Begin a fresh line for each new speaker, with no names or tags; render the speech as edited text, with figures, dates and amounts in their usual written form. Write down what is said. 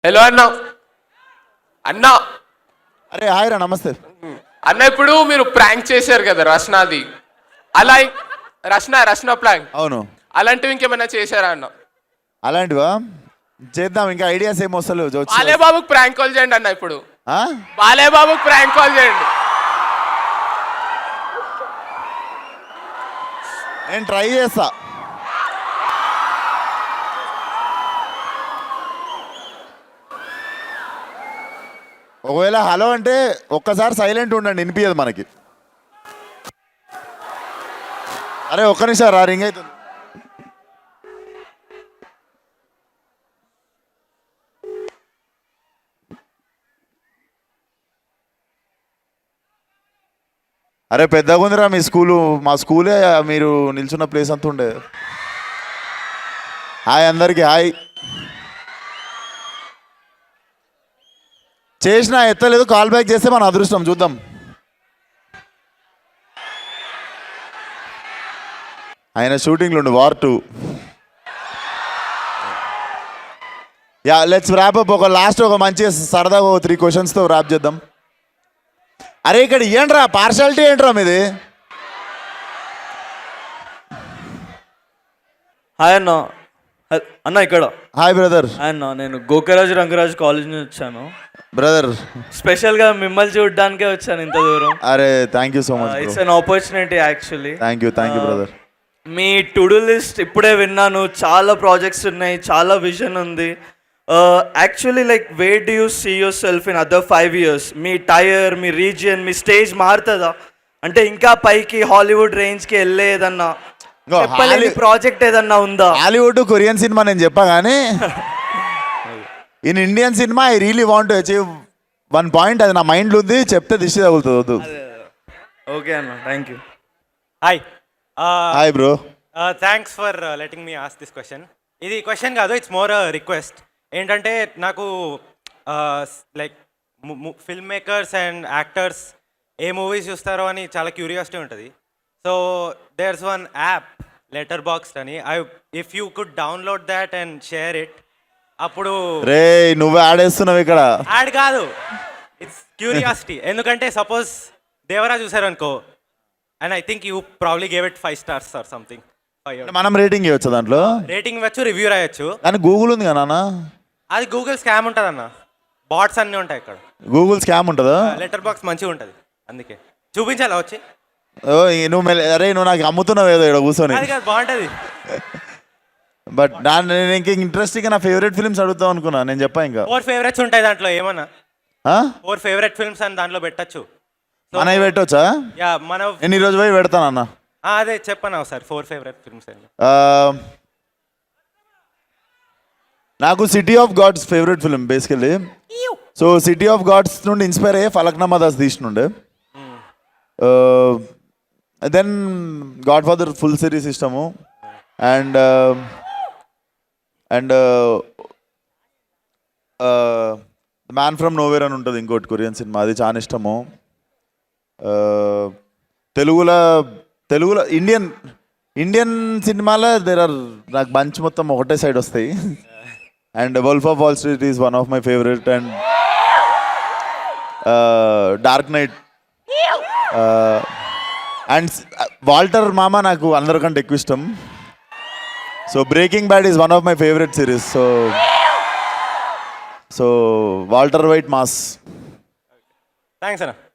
Hello అన్న. అన్న
అరే హాయ్ రా, నమస్తే.
అన్న ఇప్పుడు మీరు ప్రాంక్ చేశారు కదా రష్నాది, అలా రష్న ప్రాంక్,
అవును,
అలాంటివి ఇంకేమైనా చేశారా అన్న?
అలాంటివా చేద్దాం. ఇంకా ఐడియాస్ ఏం వస్తలేవు.
బాలేబాబుకి ప్రాంక్ కాల్ చేయండి అన్న. ఇప్పుడు
ఆ?
బాలేబాబుకి ప్రాంక్ కాల్ చేయండి.
నేను ట్రై చేస్తా. ఒకవేళ హలో అంటే ఒక్కసారి సైలెంట్ ఉండండి, వినిపించదు మనకి. అరే ఒక్క నిమిషం రా, రింగ్ అవుతుంది. అరే పెద్దగా ఉందిరా మీ స్కూలు. మా స్కూలే మీరు నిల్చున్న ప్లేస్ అంతా ఉండే. హాయ్ అందరికీ, హాయ్. చేసినా ఎత్తలేదు, కాల్ బ్యాక్ చేస్తే మన అదృష్టం. చూద్దాం. ఆయన షూటింగ్లో ఉండు, war 2. Yeah let's wrap up. ఒక లాస్ట్ ఒక మంచి సరదాగా 3 క్వశ్చన్స్తో ర్యాప్ చేద్దాం. అరే ఇక్కడ ఏంట్రా పార్షాలిటీ, ఏంట్రా మీది?
హాయ్ అన్న. అన్న ఇక్కడ.
Hi brother.
హాయ్ అన్న, నేను గోకరాజు రంగరాజు కాలేజ్ నుంచి వచ్చాను.
బ్రదర్
స్పెషల్గా మిమ్మల్ని చూడడానికే వచ్చాను ఇంత దూరం.
అరే thank you so much.
It's an opportunity actually.
Thank you brother.
మీ టు డూ లిస్ట్ ఇప్పుడే విన్నాను. చాలా ప్రాజెక్ట్స్ ఉన్నాయి, చాలా విజన్ ఉంది. Actually like where do you see yourself in other 5 years? మీ టైర్, మీ రీజియన్, మీ స్టేజ్ మారుతుందా? అంటే ఇంకా పైకి హాలీవుడ్ రేంజ్కి వెళ్ళేదన్నా ప్రాజెక్ట్ ఏదన్నా ఉందా?
హాలీవుడ్ కొరియన్ సినిమా నేను చెప్పా కానీ in Indian cinema I really want to achieve 1 point. అది నా మైండ్లో ఉంది, చెప్తే దిష్టి తగులుతుంది.
ఓకే అన్న, thank you.
Hi
hi bro.
Thanks for letting me ask this question. ఇది క్వశ్చన్ కాదు, ఇట్స్ మోర్ రిక్వెస్ట్. ఏంటంటే నాకు like film makers and actors ఏ మూవీస్ చూస్తారో అని చాలా క్యూరియాసిటీ ఉంటుంది. So there's one app letter box అని. If you could download that and share it, అప్పుడు
రే నువ్వు ఆడేస్తున్నావు ఇక్కడ.
యాడ్ కాదు, ఇట్స్ క్యూరియాసిటీ. ఎందుకంటే సపోజ్ దేవరా చూసారు అనుకో, and I think you probably gave it 5 stars or something.
మనం రేటింగ్ ఇవ్వచ్చు దాంట్లో,
రేటింగ్ ఇవ్వచ్చు, రివ్యూ రాయొచ్చు.
కానీ గూగుల్ ఉంది కదా నాన్న.
అది గూగుల్ స్కామ్ ఉంటుంది అన్న, బాట్స్ అన్నీ ఉంటాయి ఇక్కడ.
గూగుల్ స్కామ్ ఉంటుందా?
లెటర్ బాక్స్ మంచిగా ఉంటుంది, అందుకే చూపించాలా వచ్చి.
ఓ అరే నువ్వు నాకు అమ్ముతున్నావు ఏదో ఇక్కడ కూర్చొని.
అది కాదు, బాగుంటుంది.
బట్ నేను ఇంకా ఇంట్రెస్టింగ్ నా ఫేవరెట్ ఫిల్మ్స్ అడుగుతాం అనుకున్నా. నేను చెప్పా ఇంకా
4 favorites ఉంటాయి దాంట్లో. ఏమన్నా 4 favorite films అని దాంట్లో పెట్టచ్చు.
మనవి పెట్టవచ్చా?
యా మన
నేను ఈరోజు పోయి పెడతానన్నా.
అదే చెప్పను ఒకసారి 4 favorite films అని.
నాకు city of God favourite film basically. So city of God నుండి ఇన్స్పైర్ అయ్యే ఫలక్నామా దాస్ తీసినుండే. Then Godfather full series ఇష్టము. అండ్ మ్యాన్ ఫ్రమ్ నోవేర్ అని ఉంటుంది ఇంకోటి కొరియన్ సినిమా, అది చాలా ఇష్టము. తెలుగులో ఇండియన్ సినిమాలో నాకు బంచ్ మొత్తం ఒకటే సైడ్ వస్తాయి. And wolf of Wall Street is one of my favourite. And dark knight and Walter మామ నాకు అందరికంటే ఎక్కువ ఇష్టం. So breaking bad is one of my favourite series. So Walter White mass.
Thanks అన్న.